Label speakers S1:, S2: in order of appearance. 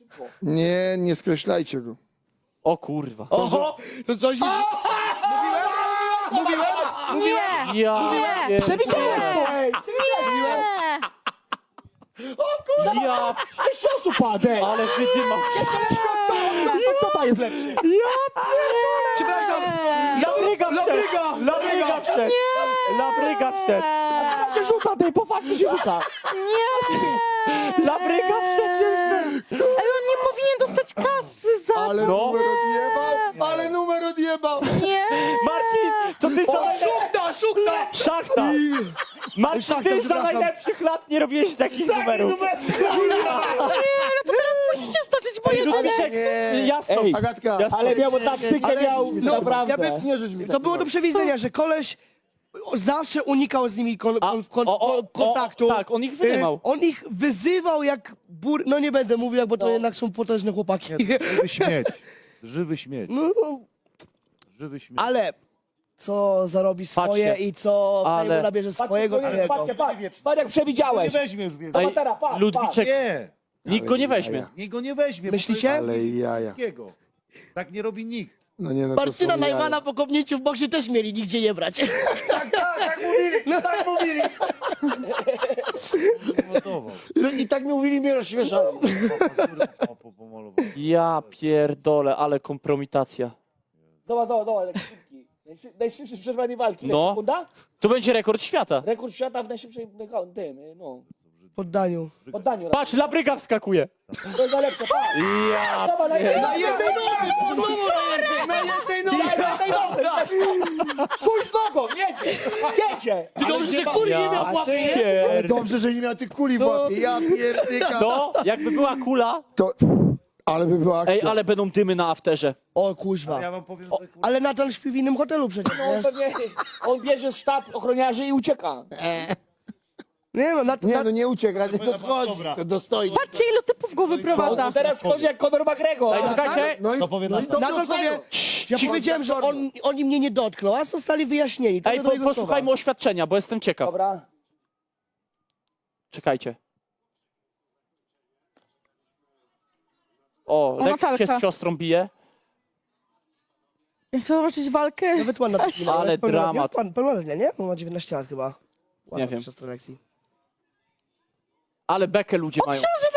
S1: Nie, nie skreślajcie go.
S2: O kurwa.
S3: Oho! To coś...
S4: Nie!
S2: Ja...
S4: Nie!
S2: Przewidziałem to, ej! Ja...
S3: Ciosu padę!
S2: Ale wydymał.
S3: Co to jest lepsze? Przepraszam!
S2: Labryga wszedł! Labryga wszedł! Labryga wszedł!
S3: A się rzuca, tej po fakcie się rzuca!
S2: Labryga wszedł!
S4: Ale on nie powinien dostać kasy za
S1: Ale
S2: No.
S1: numer odjebał! Ale numer odjebał!
S4: nie!
S2: Marcin, to ty za...
S3: Szukta!
S2: Szachta! Marcin,
S3: Szachta,
S2: ty za
S3: przepraszam.
S2: najlepszych lat nie robiłeś takich numerów.
S4: To teraz musicie stoczyć po
S2: Ej,
S4: jednym.
S2: Ludwiczek, jasno.
S3: Ej,
S1: Agatka,
S2: Ale
S3: miał taktykę, miał naprawdę.
S1: nie żeś mi
S3: To było do przewidzenia, że koleś zawsze unikał z nimi kontaktu.
S2: Tak, on ich wydymał.
S3: On ich wyzywał jak no nie będę mówił, jak, bo to jednak są potężne chłopaki.
S5: Żywy śmieć. Żywy śmieć.
S3: No,
S5: Żywy śmieć.
S3: ale co zarobi swoje
S2: Patrzcie.
S3: i co
S2: Ale-
S3: nabierze swojego twojego.
S5: Patrz jak przewidziałeś. Nie weźmie już więcej.
S2: Ej, Ludwiczek,
S5: Nie.
S2: nikt go nie weźmie.
S5: Nikt go nie weźmie.
S3: Myślicie?
S1: Ale jaja.
S5: Wszystkiego. Tak nie robi nikt.
S1: No nie, no to
S3: Marcyna
S1: są jaja.
S3: Najmana po kopnięciu w boksie też mieli nigdzie nie brać.
S5: Tak mówili, tak mówili. Zmontował.
S1: I tak mi mówili, mnie rozśmieszało.
S5: Pomalował.
S2: Ja pierdolę, ale kompromitacja.
S6: Zobacz, jak szybki. Najszybszy w przerwanej walki.
S2: No.
S6: Sekunda?
S2: To będzie rekord świata.
S6: Rekord świata w najszybszej
S3: Poddaniu.
S6: poddaniu.
S2: Patrz, Labryga wskakuje.
S6: To jest najlepsze, tak.
S2: Ja...
S6: Dobra, na jednej
S1: Na jednej nodze!
S6: Chuj z nogą, jedzie! Jedzie!
S3: Dobrze, że kuli nie miał
S2: Ja
S3: łapy.
S1: Ale dobrze, że nie miał tych kuli w łapie. Ja pierdyka.
S2: No, jakby była kula...
S1: To... Ale by była akcja.
S2: Ej, ale będą dymy na afterze.
S3: O kuźwa.
S5: Ja wam powiem, że
S3: Ale Natan śpi w innym hotelu przecież.
S6: No, on pewnie, on bierze sztab ochroniarzy i ucieka.
S3: Nie no,
S1: Nie, no nie uciekł, ale to schodzi,
S5: dobra.
S1: to dostoi.
S4: Patrzcie, ilu typów go wyprowadza.
S6: On teraz schodzi jak Conor McGregor.
S2: Ej, czekajcie.
S1: No i,
S5: To powie
S1: no i
S5: Natan.
S1: dobrze
S3: Natan powie, ja powiedziałem, że oni mnie nie dotkną, a zostali wyjaśnieni. To
S2: Ej,
S3: do jego
S2: posłuchajmy
S3: słowa.
S2: oświadczenia, bo jestem ciekaw.
S6: Dobra.
S2: Czekajcie. O, Lex się
S4: Natalka.
S2: z siostrą bije.
S4: Ja chcę zobaczyć walkę.
S3: Nawet ładna dziewczyna,
S2: Ale
S3: jest pełnoletnia,
S2: dramat.
S3: Pełnoletnia, nie? On ma 19 lat chyba. Ładna
S2: wiem.
S3: siostra Lexi.
S2: Ale bekę ludzie mają.
S4: Książę